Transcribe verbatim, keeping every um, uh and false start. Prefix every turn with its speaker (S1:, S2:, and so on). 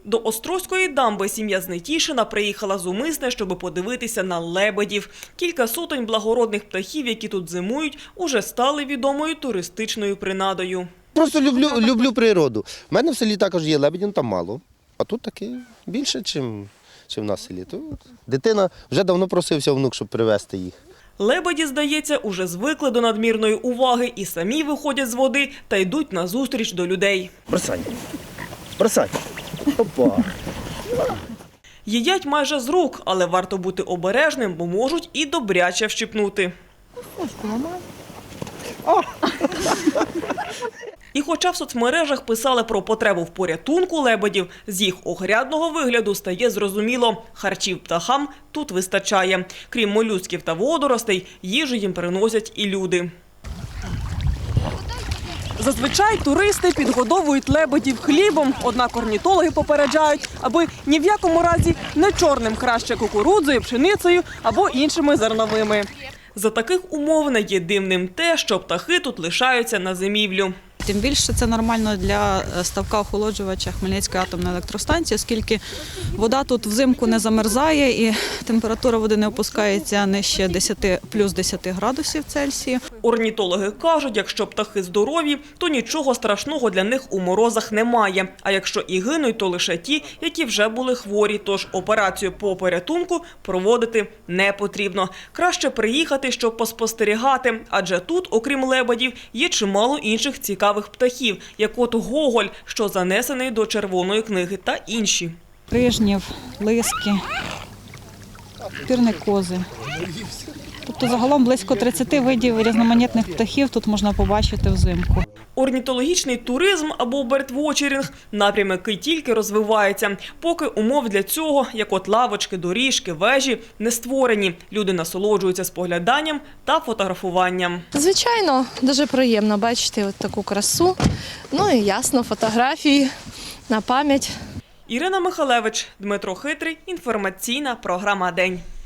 S1: До Острозької дамби сім'я з Нетішина приїхала з Умисне, щоб подивитися на лебедів. Кілька сотень благородних птахів, які тут зимують, уже стали відомою туристичною принадою.
S2: Просто люблю, люблю природу. У мене в селі також є лебеді, ну там мало. А тут таки більше, ніж в нас в селі. То дитина вже давно просився внук, щоб привезти їх.
S1: Лебеді, здається, уже звикли до надмірної уваги і самі виходять з води та йдуть назустріч до людей.
S2: Бросай, бросай. Опа.
S1: Їдять майже з рук, але варто бути обережним, бо можуть і добряче вщипнути. І хоча в соцмережах писали про потребу в порятунку лебедів, з їх огрядного вигляду стає зрозуміло – харчів птахам тут вистачає. Крім молюсків та водоростей, їжу їм приносять і люди. Зазвичай туристи підгодовують лебедів хлібом, однак орнітологи попереджають, аби ні в якому разі не чорним, краще кукурудзою, пшеницею або іншими зерновими. За таких умов не є дивним те, що птахи тут лишаються на зимівлю.
S3: Тим більше це нормально для ставка-охолоджувача Хмельницької атомної електростанції, оскільки вода тут взимку не замерзає і температура води не опускається нижче десяти, плюс десяти градусів Цельсія.
S1: Орнітологи кажуть, якщо птахи здорові, то нічого страшного для них у морозах немає. А якщо і гинуть, то лише ті, які вже були хворі. Тож операцію по порятунку проводити не потрібно. Краще приїхати, щоб поспостерігати. Адже тут, окрім лебедів, є чимало інших цікавих птахів, як от гоголь, що занесений до Червоної книги, та інші.
S3: Крижнів, лиски, пірникози. Тобто загалом близько тридцяти видів різноманітних птахів тут можна побачити взимку.
S1: Орнітологічний туризм або бертвочерінг – напрям, який тільки розвивається. Поки умов для цього, як от лавочки, доріжки, вежі, не створені. Люди насолоджуються спогляданням та фотографуванням.
S4: Звичайно, дуже приємно бачити от таку красу. Ну і ясно, фотографії на пам'ять.
S1: Ірина Михалевич, Дмитро Хитрий. Інформаційна програма «День».